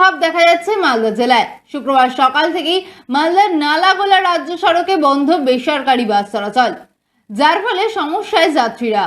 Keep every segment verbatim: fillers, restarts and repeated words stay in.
প্রভাব দেখা যাচ্ছে মালদা জেলায়। শুক্রবার সকাল থেকেই মালদার নালাগোলা রাজ্য সড়কে বন্ধ বেসরকারি বাস চলাচল, যার ফলে সমস্যায় যাত্রীরা।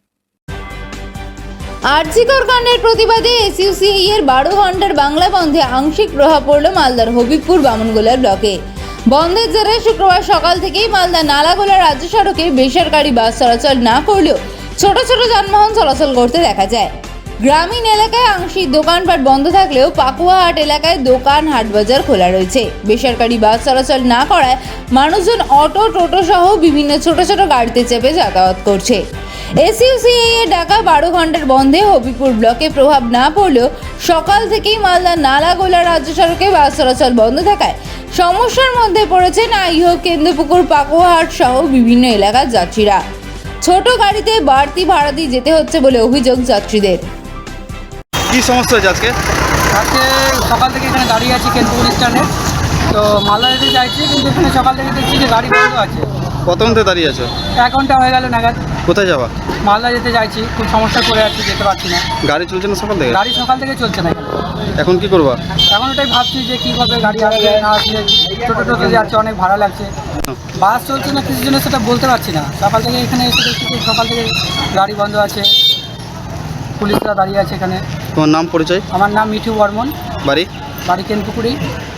আরজিকর কাণ্ডের প্রতিবাদে এসইউসিআই এর বারো ঘন্টার বাংলা বন্ধে আংশিক প্রভাব পড়ল মালদার হবিবপুর বামনগোলা ব্লকে। বন্ধের জেরে শুক্রবার সকাল থেকেই মালদা নালাগোলা রাজ্য সড়কে বেসরকারি বাস চলাচল না করলেও ছোট ছোট যানবাহন চলাচল করতে দেখা যায়। গ্রামীণ এলাকায় আংশিক দোকানপাট বন্ধ থাকলেও পাকুয়াহাট এলাকায় দোকান হাট বাজার খোলা রয়েছে। বেসরকারি বাস চলাচল না করায় মানুষজন অটো টোটো সহ বিভিন্ন ছোট ছোট গাড়িতে চেপে যাতায়াত করছে। এসইউসিআই এর ডাকা বারো ঘন্টার বন্ধে হবিবপুর ব্লকে প্রভাব না পড়লেও সকাল থেকেই মালদা নালাগোলা রাজ্য সড়কে বাস চলাচল বন্ধ থাকায় সমস্যার মধ্যে পড়েছেন আইহোক, কেন্দ্রপুকুর, পাকুয়াহাট সহ বিভিন্ন এলাকার যাত্রীরা। ছোট গাড়িতে বাড়তি ভাড়া দিয়ে যেতে হচ্ছে বলে অভিযোগ যাত্রীদের। কি সমস্যা হয়েছে আজকে? আজকে সকাল থেকে এখানে দাঁড়িয়ে আছি কেন্দ্রপুর স্ট্যান্ডে, তো মালদা যেতে চাইছি, কিন্তু এখানে সকাল থেকে দেখছি যে গাড়ি বন্ধ আছে। প্রথম থেকে দাঁড়িয়ে আছো? এক ঘন্টা হয়ে গেল নাগাদ। কোথায় যাবা? মালদা যেতে চাইছি, খুব সমস্যা করে আছি, যেতে পারছি না। গাড়ি চলছে না সকাল থেকে? গাড়ি সকাল থেকে চলছে না এখানে। এখন কি করবা? এখন ওটাই ভাবছি যে কী হবে, গাড়ি আসবে না আসলে, ছোটো টোটো যাচ্ছে, অনেক ভাড়া লাগছে। বাস চলছে না কিছু জন্য সেটা বলতে পারছি না। সকাল থেকে এখানে এসে দেখছি যে সকাল থেকে গাড়ি বন্ধ আছে, পুলিশরা দাঁড়িয়ে আছে এখানে। তোমার নাম পরিচয়? আমার নাম মিঠু বর্মন, বাড়ি? বাড়ি কেন্দ্রপুকুরেই।